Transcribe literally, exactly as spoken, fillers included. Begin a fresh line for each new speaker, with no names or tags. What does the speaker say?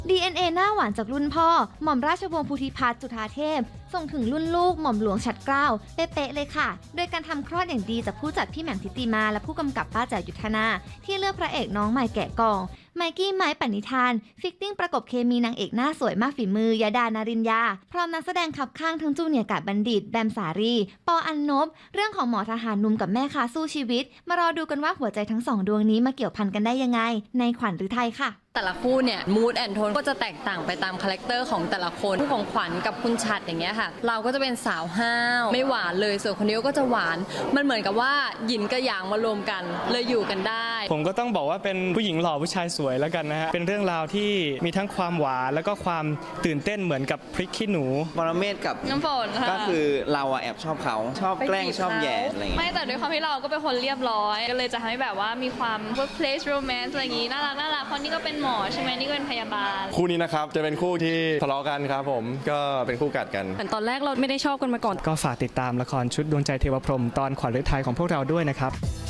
ดี เอ็น เอ หน้าหวานจากรุ่นพ่อหม่อมราชวงศ์ภูธิพัฒน์จุฑาเทพส่งถึงรุ่นลูกหม่อมหลวงฉัตรเกล้าเป๊ะๆเลยค่ะโดยการทำคลอดอย่างดีจากผู้จัดพี่แหม่มทิติมาและผู้กำกับป้าแจ๋วยุทธนาที่เลือกพระเอกน้องใหม่แกะกล่องไมกี้ไม้ปณิธานฟิตติ้งประกบเคมีนางเอกหน้าสวยมากฝีมือยาดานารินยาพร้อมนักแสดงขับข้างทั้งจูเนียร์กาดบัณฑิตแบมสารีปออันนบเรื่องของหมอทหารหนุ่มกับแม่ค้าสู้ชีวิตมารอดูกันว่าหัวใจทั้งสองดวงนี้มาเกี่ยวพันกันได้ยังไงในขวัญฤทัยค่ะ
แต่ละคู่เนี่ยมูดแอนโทนก็จะแตกต่างไปตามคาแรคเตอร์ของแต่ละคนคู่ของขวัญกับคุณฉัตรอย่างเงี้ยค่ะเราก็จะเป็นสาวห้าวไม่หวานเลยส่วนคนนี้ก็จะหวานมันเหมือนกับว่าหยินกับหยางมารวมกันเลยอยู่กันได้
ผมก็ต้องบอกว่าเป็นผู้หญิงหล่อผู้ชายสวยแล้วกันนะฮะเป็นเรื่องราวที่มีทั้งความหวานแล้วก็ความตื่นเต้นเหมือนกับพริกขี้หนู
ปรเมศกับ
น้ำฝนค่ะ
ก็คือเราอะแอบชอบเขาชอบแกล้งชอบแย่อะไรอย่างเงี้ย
ไม่แต่ด้วยความที่เราก็เป็นคนเรียบร้อยก็เลยจะทำให้แบบว่ามีความ workplace romance อะไรอย่างงี้น่ารักน่ารักเพราะนี่ก็เป็นหมอใช่ไหมนี่ก็เป็นพยาบาล
คู่นี้นะครับจะเป็นคู่ที่ทะเลาะกันครับผมก็เป็นคู่กัดกัน
ตอนแรกเราไม่ได้ชอบกันมาก่อน
ก็ฝากติดตามละครชุดดวงใจเทวพรหมตอนขวัญฤทัยของพวกเราด้วยนะครับ